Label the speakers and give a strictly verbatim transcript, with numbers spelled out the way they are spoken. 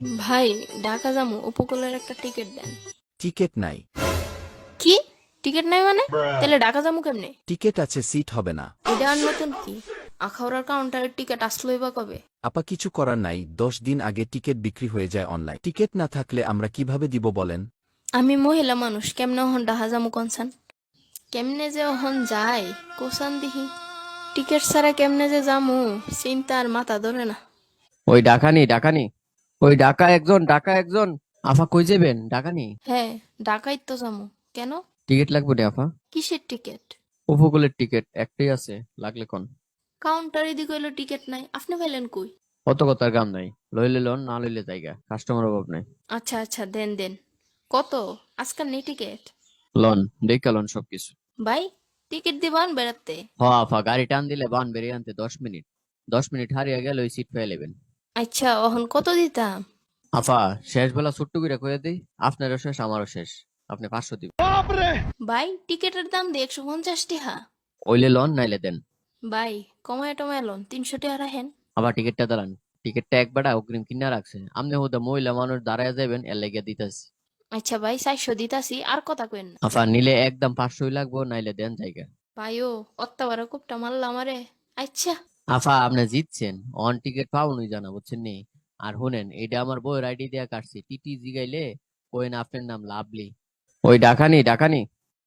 Speaker 1: ভাই, ঢাকা যামু, উপকূলের একটা টিকিট দেন।
Speaker 2: টিকেট নাই।
Speaker 1: কি? টিকিট নাই মানে? তাহলে ঢাকা যামু কেমনে?
Speaker 2: টিকেট আছে, সিট হবে না।
Speaker 1: এটা আর নতুন কি? আখাউড়ার কাউন্টারের টিকিট আসলোই বা কবে?
Speaker 2: আপা কিছু করার নাই, দশ দিন আগে টিকেট বিক্রি হয়ে যায় অনলাইন। টিকেট না থাকলে আমরা কিভাবে দিব বলেন?
Speaker 1: আমি মহিলা মানুষ, কেমনে ওহন ঢাকা যামু কনসান? কেমনে যে ওহন যায় কোসান দিহি? টিকিট ছাড়া কেমনে যে যামু, চিন্তা আর মাথা ধরে না।
Speaker 3: ওই ডাকানি ডাকানি ওই ডাকা একজন ডাকা একজন আফা কই যাবেন ডাকানি?
Speaker 1: হ্যাঁ, ঢাকাই তো যামু। কেন?
Speaker 3: টিকিট লাগবে রে আফা।
Speaker 1: কিসের টিকিট?
Speaker 3: উপকূলের টিকিট একটাই আছে, লাগলে কোন?
Speaker 1: কাউন্টারে দি কইলো টিকিট নাই, আপনি পাইলেন কই?
Speaker 3: অত কথার কাম নাই, লইলে লোন না লইলে জায়গা, কাস্টমার অভাব নাই।
Speaker 1: আচ্ছা আচ্ছা, দেন দেন। কত? আজকাল নেই টিকিট।
Speaker 3: লন দেখা লন সবকিছু।
Speaker 1: ভাই, টিকিট দিবান বেড়াতে।
Speaker 3: হ আফা, গাড়ি টান দিলে বান বেরিয়ে আনতে দশ মিনিট। দশ মিনিট হারিয়ে গেলে ওই সিট পেয়ে নেবেন।
Speaker 1: আচ্ছা, অহন কত দিতাম?
Speaker 3: আফা, শেষ বেলা ছোট্ট করে কয়ে দিই, আপনারও শেষ আমারও শেষ, আপনি পাঁচশো দিবেন।
Speaker 1: ভাই, টিকিটের দাম দিয়ে একশো পঞ্চাশ টিহা।
Speaker 3: ওইলে লন নাইলে দেন।
Speaker 1: ভাই, কমায় টমায় লোন তিনশো টাকা রাখেন।
Speaker 3: আবার টিকিটটা দাঁড়ান। টিকিটটা একবার অগ্রিম কিনা রাখছে, আপনি হুদা মহিলা মানুষ দাঁড়ায় যাবেন এর লেগে দিতেছি।
Speaker 1: আচ্ছা ভাই, চারশো দিতাছি, আর কথা কইন না।
Speaker 3: আফা নিলে একদম পাঁচশোই লাগবো, নাইলে দেন জায়গা।
Speaker 1: ভাইও, অত্যাবারা কুপটা মারলাম আমারে। আচ্ছা।
Speaker 3: আফা আপনি জিতছেন, অন টিকিট পাওনি জানা বুঝছেন নি। আর শুনেন, এটা আমার বউয়ের আইডি দিয়া কাটছি, টিটি জিগাইলে কোয়েন আপনার নাম লাভলি। ওই ডাকানি ডাকানি